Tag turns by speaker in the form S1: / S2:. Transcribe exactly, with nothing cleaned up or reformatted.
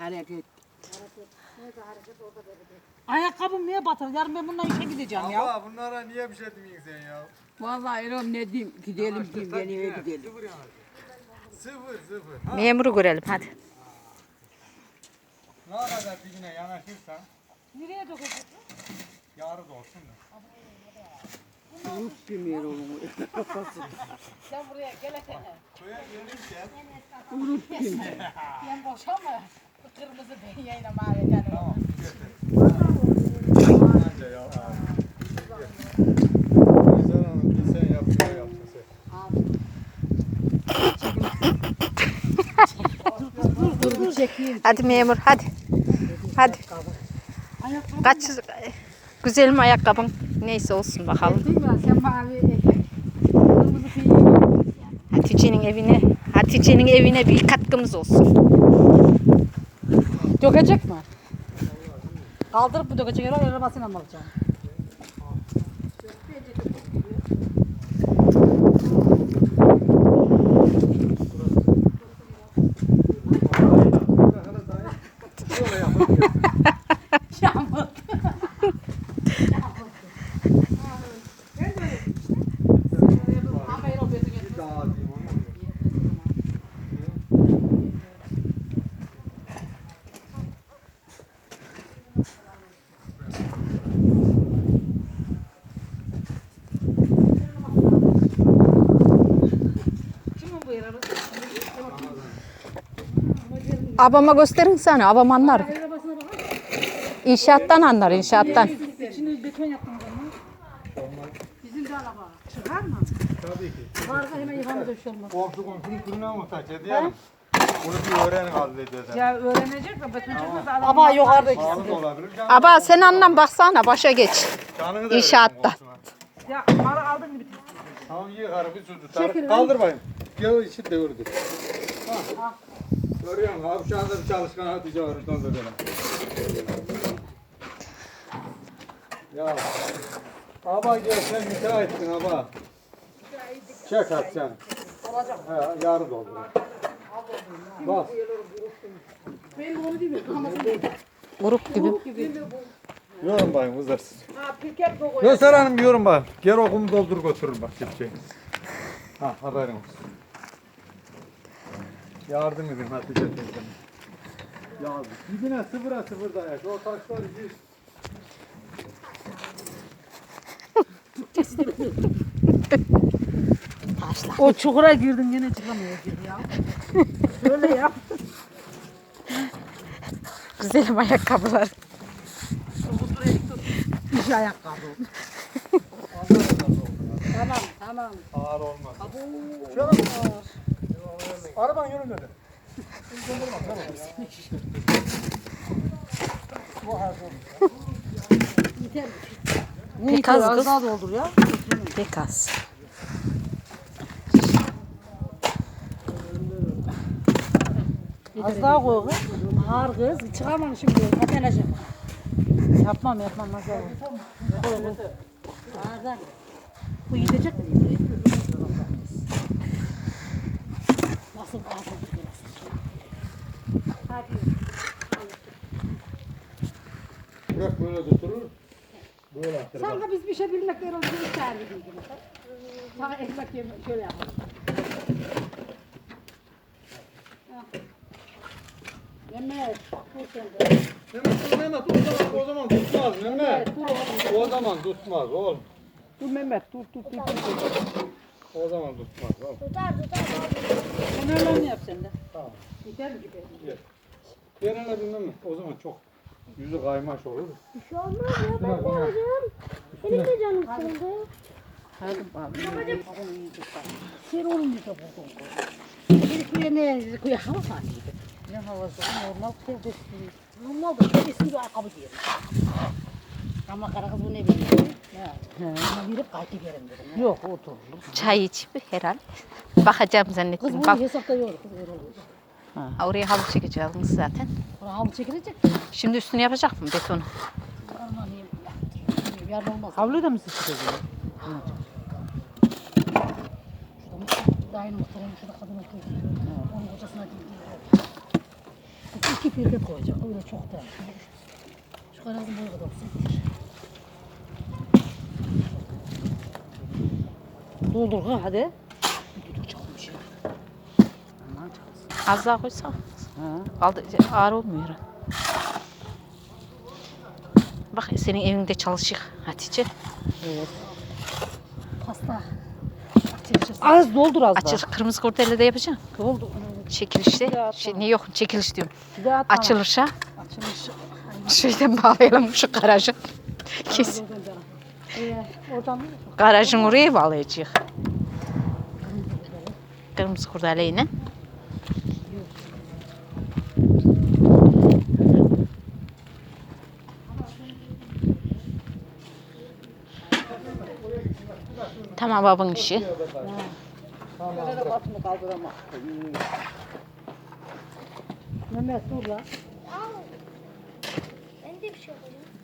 S1: Hareket. Ayakkabım niye batır? Yarın ben bununla işe gideceğim ya.
S2: Abla bunlara niye bir şey demiyorsun sen ya?
S1: Vallahi Erol ne diyeyim? Gidelim diyeyim, ben eve gidelim.
S2: Sıfır yani. Sıfır sıfır. Ha.
S3: Memuru görelim hadi.
S2: Ne kadar dibine yanaşırsan
S1: Nereye dökecek?
S2: yarı da olsun da.
S1: Unut bir Erol'u. Sen buraya gelesene.
S2: Köye gelirken
S1: Unut bir. Ben boşama. Kırmızı ben yayına mavi canım.
S2: tamam götür. Anca ya abi. Güzel hanım bir sen yap bir yapsın sen.
S1: Dur dur çekeyim.
S3: Hadi memur hadi. Hadi. Kaç güzel mi ayakkabın? Neyse olsun bakalım.
S1: Değil mi? Sen mavi etek. Kırmızı peynir.
S3: Hatice'nin evine, Hatice'nin evine bir katkımız olsun.
S1: Dökecek mi? Kaldırıp mı dökecek? Erol arabasıyla mı alacağım? Yağmur.
S3: Abama gösterin sana, abam anlar. İnşaattan anlar, inşaattan.
S1: İçini beton yaptım o zaman. Bizim de araba. Çıkar mı?
S2: Tabii ki.
S1: Varsa hemen yıkamada bir şey olmaz.
S2: Komşu komşunun kırına muhtaç ediyorum. Bunu bir öğren hallededen.
S1: Ya öğrenecek de beton çıkmazsa adam... Ama yukarıda ikisi.
S2: Sağlık olabilir. Canı
S3: Aba sen anlam baksana, başa geç.
S2: Canını da
S3: İnşaatta.
S2: verin komşuna.
S1: Ya malı aldın mı bitir.
S2: Tamam iyi karı bir su tutar. Kaldır bayım. Gel içi devirdi. Ha. Görüyor musun? Abi şu anda bir çalışkan Hatice var. Ondan da böyle. Ya. Aba gel sen müteahhitsin aba. Çek at sen.
S1: Olacak.
S2: He yarı doldur. Bas.
S1: Ben bunu değil mi?
S3: Grup gibi.
S2: Yorum bayım uzarsın.
S1: Ha pirket koy.
S2: Göster hanım bir yorum bayım. Gel okumu doldur götürür bak kepçeyi. Ha haberin olsun. Yardım edin Hatice teyzeme. Yardım. Dibine sıfıra sıfır dayak. O taşlar yüz.
S1: O çukura girdin yine çıkamıyor ya. Şöyle yap.
S3: Güzelim ayakkabılar.
S1: İş ayakkabı. Tamam tamam.
S2: Ağır olmaz.
S1: Çok
S2: Araban yürümedi.
S3: Pek az
S1: az
S3: kız.
S1: daha doldur ya.
S3: Pek az.
S1: Az daha koy kız. Ağır kız. Çıkamam şimdi. Atenacığım. Yapmam yapmam. Nasıl olur? Koy koy. Ağırdan. Bu gidecek mi? Nasıl ağzı? Hadi.
S2: Bırak böyle götürür. Böyle atır.
S1: Sanki biz bir şey bilmek değil, onu bir çağırdı gibi. Sana ekmek yemek şöyle yapalım. Mehmet, dur sen de.
S2: Mehmet dur Mehmet o zaman, o zaman tutmaz Mehmet. O zaman tutmaz oğlum.
S1: Dur Mehmet, dur dur dur. dur.
S2: O zaman tutmaz oğlum.
S1: Sen öyle mi yap sen de?
S2: Tamam.
S1: Gider mi gider?
S2: Gel. Genelde bilmem mi? O zaman çok yüzü kaymaş olur.
S4: Bir şey olmaz ya ben de alacağım. Benim de canım sıkıldı.
S1: Hadi bakalım. Sen oğlum bir de buldun. Bir kuya ne? Kuya hava var. Ne havası? Normal kıyafet. Normal da ben eski bir ayakkabı giyerim. Ama kara kız bu ne bileyim. Ya. Ama girip kayıt giyerim dedim. Yok otur.
S3: Çay içip herhal. Bakacağım
S1: Kız
S3: zannettim.
S1: bunu
S3: Bak,
S1: hesapta yok. Kız öyle olur.
S3: ha, oraya halı çekeceğiz zaten.
S1: Buna havlu çekilecek.
S3: Şimdi üstünü yapacak mı betonu?
S1: Aman iyi. Yarın olmaz.
S5: Havluyu da mı siz çıkıyorsunuz?
S1: Şurada dayının muhtemelen şurada kadın oturuyor. Onun kocasına değil. iki pirket koyacağım. Öyle çok da. Şu karazın boyu kadar olsun. Doldur ha hadi. Bir de çalmış ya. Aman çalsın.
S3: Az daha koysak.
S1: Ha.
S3: Aldı, ağır olmuyor. Bak senin evinde çalışıyor Hatice.
S1: Evet. Pasta. Az doldur az
S3: Açılış
S1: daha.
S3: kırmızı kurdele de yapacaksın.
S1: Doldur.
S3: Çekilişte. Şey, ne yok çekiliş diyorum.
S1: Bir daha tamam.
S3: Açılışa.
S1: Açılış.
S3: Şeyden bağlayalım şu garajı. Kes.
S1: Ee, oradan mı?
S3: Garajın oraya bağlayacağız. Kırmızı kurdeleyle. Tamam babın işi.
S1: Böyle de başını kaldıramaz. Mehmet dur lan.
S4: Ben de bir şey yapacağım.